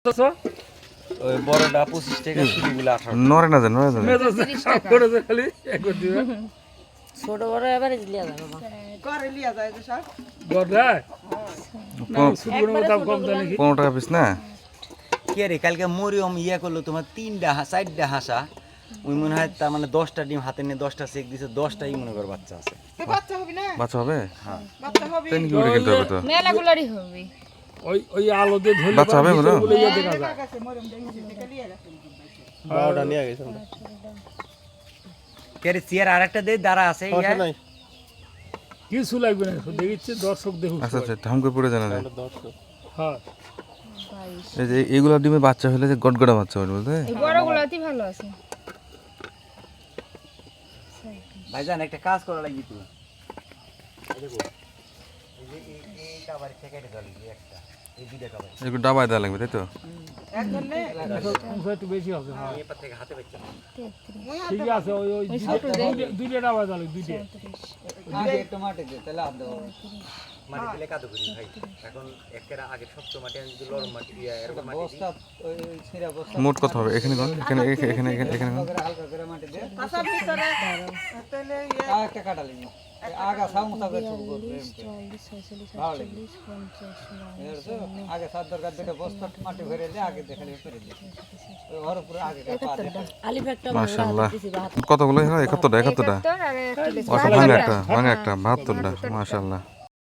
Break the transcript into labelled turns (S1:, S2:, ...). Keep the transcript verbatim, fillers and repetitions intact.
S1: ওই বড়টা পঁচিশ টাকা শুরুগুলো আঠারো
S2: নরে না যায় নরে না যায়
S3: ছোট বড় এবারে লিয়া যাবে মা
S4: করে লিয়া যায় যে সব
S2: পনেরো টাকা পিস না
S1: কে রে কালকে মরিয়ম ইয়া করলো তোমার তিনটা হা- চারটা হাসা ওই মনে হয় তার মানে দশটা ডিম হাতে নিয়ে দশটা চেক দিছে দশটাই মনে কর বাচ্চা আছে
S4: তো বাচ্চা হবে না
S2: বাচ্চা হবে
S4: বাচ্চা হবে
S2: তেন কি করে কিনতে হবে তো
S3: মেলাগুলারই হবে
S5: ওই ওই আলো দিয়ে ধরে
S2: বাচ্চা হবে বলো
S5: ইয়ে দেখা যায়
S4: কাছে মরম দেখি দেখে লিয়া গেছে
S6: বারোটা নিয়ে গেছে আমরা।
S1: কে রে চেয়ার আরেকটা দে দাঁড়া আছে ইয়া
S6: সমস্যা নাই
S5: কিছু লাগবে না দেখিচ্ছে দর্শক দেখুক
S2: আচ্ছা আচ্ছা ধাম করে পড়ে জানা যায়
S6: আমরা দর্শক
S5: হ্যাঁ
S2: এই যে এইগুলা ডিমে বাচ্চা হলে যে গটগড়া বাচ্চা হবে বুঝলে
S3: এই বড়গুলাতেই ভালো আছে
S1: ভাইজান একটা কাজ করা লাগবে তুই এই দেখো এই যে এই এই কাবারি থেকে এটা গলি একটা এই দুইটা কাবারি
S2: এগুলো ডাবায় দেওয়া লাগবে তাই তো
S4: এক ধরলে
S5: অংশ একটু বেশি হবে হ্যাঁ
S1: এই পার থেকে হাতে পাইছে
S5: ঠিক আছে ওই ওই দুইটা দুইটা ডাবা জালে দুইটা
S1: একটু মাটি দে তাহলে আপ দাও মাটি দিলে কাদু করি ভাই এখন একেরা আগে শক্ত মাটি আমি যদি লরম মাটি দিয়া এরকম মাটি বস্তা ওই ছিরা বস্তা
S2: মোট কত হবে এখানে কোন এখানে এখানে এখানে এখানে কোন
S1: হালকা করে মাটি দে
S4: কাঁচার ভিতরে তাহলে ইয়ে
S1: আর একটা কাটা লাগবে আগা সামুসা করে শুরু করবে আগে সাত দরকার দুটো বস্তা মাটি ভরে দে আগে দেখালে করে দে ওই ওর উপরে আগে পা দে
S3: আলিফ একটা
S2: মাশাআল্লাহ কতগুলো হয় একাত্তরটা একাত্তরটা
S3: আর একটা
S2: ভাঙা একটা ভাঙা একটা বাহাত্তরটা মাশাআল্লাহ